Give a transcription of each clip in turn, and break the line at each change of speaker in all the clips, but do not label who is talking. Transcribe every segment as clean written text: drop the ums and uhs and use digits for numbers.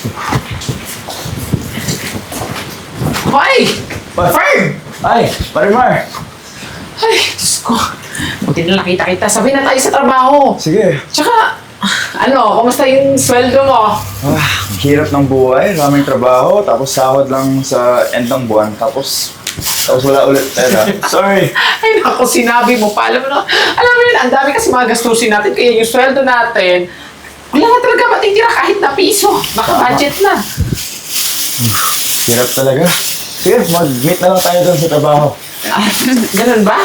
Hoy! Fern!
Ay, Marimar!
Ay, Diyos ko. Buti na nakita kita. Sabay na tayo sa trabaho.
Sige.
Tsaka, kumusta yung sweldo mo?
Ang hirap ng buhay, maraming trabaho, tapos sahod lang sa end ng buwan, tapos wala ulit pera. Sorry.
Ay, naku, sinabi mo pa. Alam mo yun, ang dami kasi mga gastusin natin. Kaya yung sweldo natin, wala na talaga matitira kahit na piso. Baka budget na.
Hirap talaga. Sige, mag-meet na lang tayo doon sa trabaho.
Ah, ganun ba?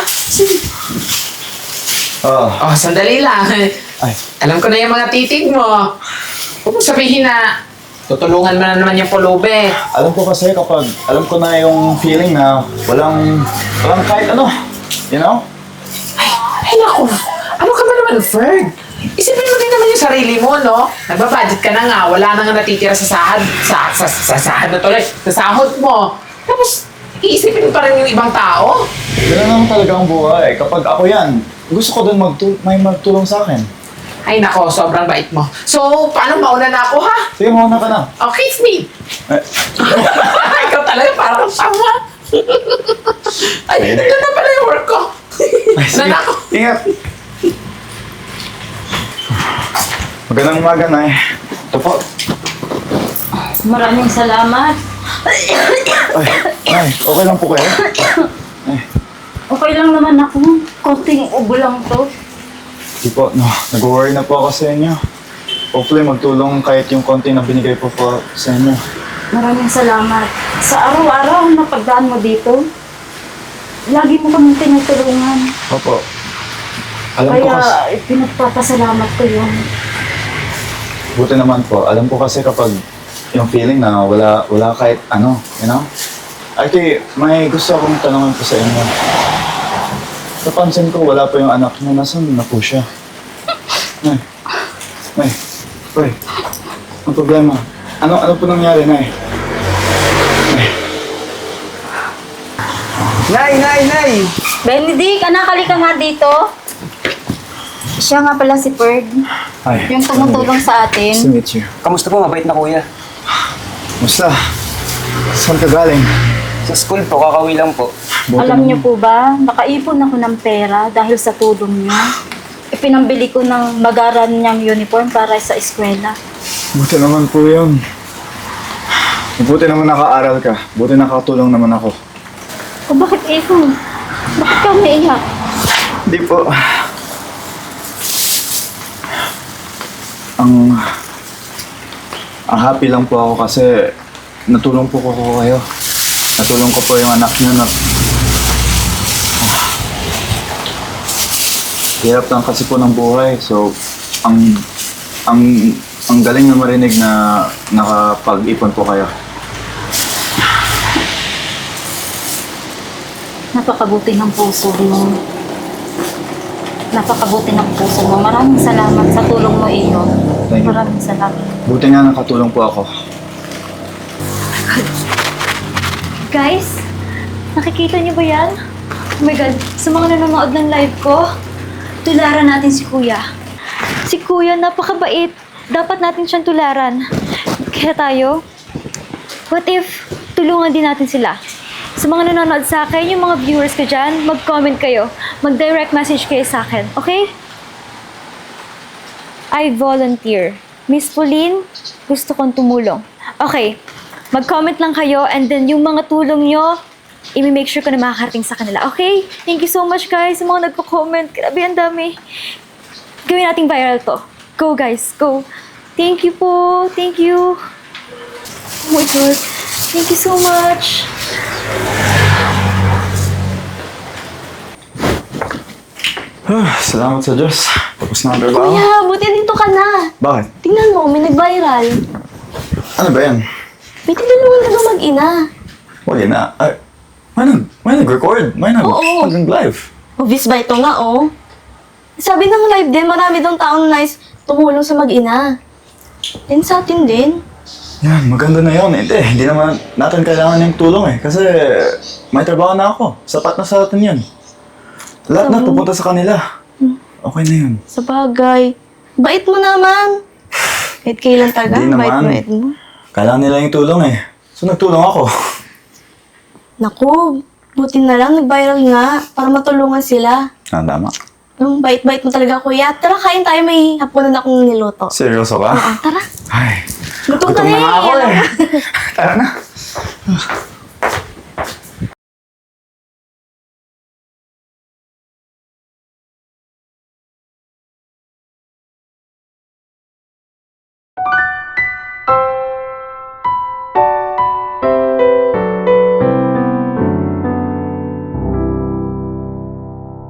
Oo.
Oh, sandali lang.
Ay,
Alam ko na yung mga titig mo. Huwag mo sabihin na tutulungan mo na naman yung pulube.
alam ko kasi kapag alam ko na yung feeling na walang kahit ano, you know?
Ay naku, ano ka ba naman, Ferd? Isipin mo din naman yung sarili mo, no? Nagbabudget ka na nga, wala na nga natitira sa sahod, sa sahod na tuloy, sa sahod mo. Tapos, iisipin mo pa rin yung ibang tao?
Ganun lang talaga ang buhay. Kapag ako yan, gusto ko doon may magtulong sa akin.
Ay nako, sobrang bait mo. So, paano mauna na ako, ha?
Sige, mauna ka na.
Oh, kiss me!
Eh,
Ikaw talaga, parang tama. Ay, ito na pala yung work ko.
ay, sige.
Nanako.
Ingat. Magandang umaga, Nay. Ito po.
Maraming salamat.
Ay, Nay, okay lang po kayo?
Okay lang naman ako. Konting ubo lang to.
Di po, no. Nag-worry na po ako sa inyo. Hopefully, magtulong kahit yung konti na binigay po sa inyo.
Maraming salamat. Sa araw-araw na pagdaan mo dito, lagi mo kami tinutulungan.
Opo. Alam ko kasi,
Kaya pinagpapasalamat ko yun.
buti naman po. Alam ko kasi kapag yung feeling na wala kahit ano, you know? Actually, may gusto akong tanongin po sa inyo. Napansin ko, wala pa yung anak niyo. Nasaan na po siya? Nay, ang problema. Ano po nangyari, Nay?
Nay!
Benedict, anak, halika nga dito. Siya nga pala si Ferg.
Ay,
Yung tumutulong sa
Nice to
atin.
meet you.
Kamusta po? Mabait na kuya.
Musta? Saan ka galing?
Sa school po, kakauwi lang po.
Buti
Alam
naman.
niyo po ba, nakaipon ako ng pera dahil sa tulong niyo. Ipinambili ko ng magaran niyang uniform para sa eskwela.
Buti naman po yun. Buti naman nakaaral ka. Buti nakatulong naman ako.
O bakit ikaw? Bakit ka naiyak?
Hindi po. Ang happy lang po ako kasi natulong po ko kayo. Natulong ko po yung anak niyo na... Hirap lang kasi po ng buhay. So, ang galing na marinig na nakapag-ipon po kayo.
Napakabuti ng puso mo. Napakabuti ng puso mo. Maraming salamat sa tulong mo, Iyo.
Thank you.
Maraming salamat.
Buti nga nakatulong po ako.
Guys, nakikita niyo ba yan? Oh my God, sa mga nanonood ng live ko, tularan natin si Kuya. Si Kuya, napakabait. Dapat natin siyang tularan. Kaya tayo, what if tulungan din natin sila? Sa mga nanonood sa akin, yung mga viewers ko dyan, mag-comment kayo. Mag-direct message kayo sa akin, okay? I volunteer. Miss Pauline, gusto kong tumulong. Okay, mag-comment lang kayo and then yung mga tulong nyo, i-make sure ko na makakarating sa kanila. Okay? Thank you so much guys sa mga nagko-comment. Grabe, ang dami. Gawin nating viral to. Go guys, go. Thank you po. Thank you. Oh my God. Thank you so much.
Salamat sa Diyos. Tapos na ang trabaho.
Kuya, buti dito ka na.
Bakit?
Tingnan mo, may nag-viral.
Ano ba yan?
May tinulungan ka ba mag-ina?
Wala na. Ay, may nag-record. May
Oo.
nag-live.
Obvious ba ito nga, oh? Sabi ng live din, marami daw taong nice tumulong sa mag-ina. Din sa atin din.
Yan, maganda na yun. Hindi naman natin kailangan yung tulong eh. Kasi may trabaho na ako. Sapat na sa atin yun. Lahat na pupunta sa kanila. Okay na yun.
Sa bagay. Bait mo naman. Kahit kailan taga,
Hindi
bait
naman.
mo.
Kailangan nila yung tulong eh. So nagtulong ako.
Naku, buti na lang nag-viral nga para matulungan sila.
Tama.
Ang bait-bait mo talaga, kuya. Tara, kain tayo. May hapunan akong niluto.
Seryoso ka?
Oo, tara.
Ay,
Gutom ka
gutom
na
na nga ako
eh.
eh. Tara na.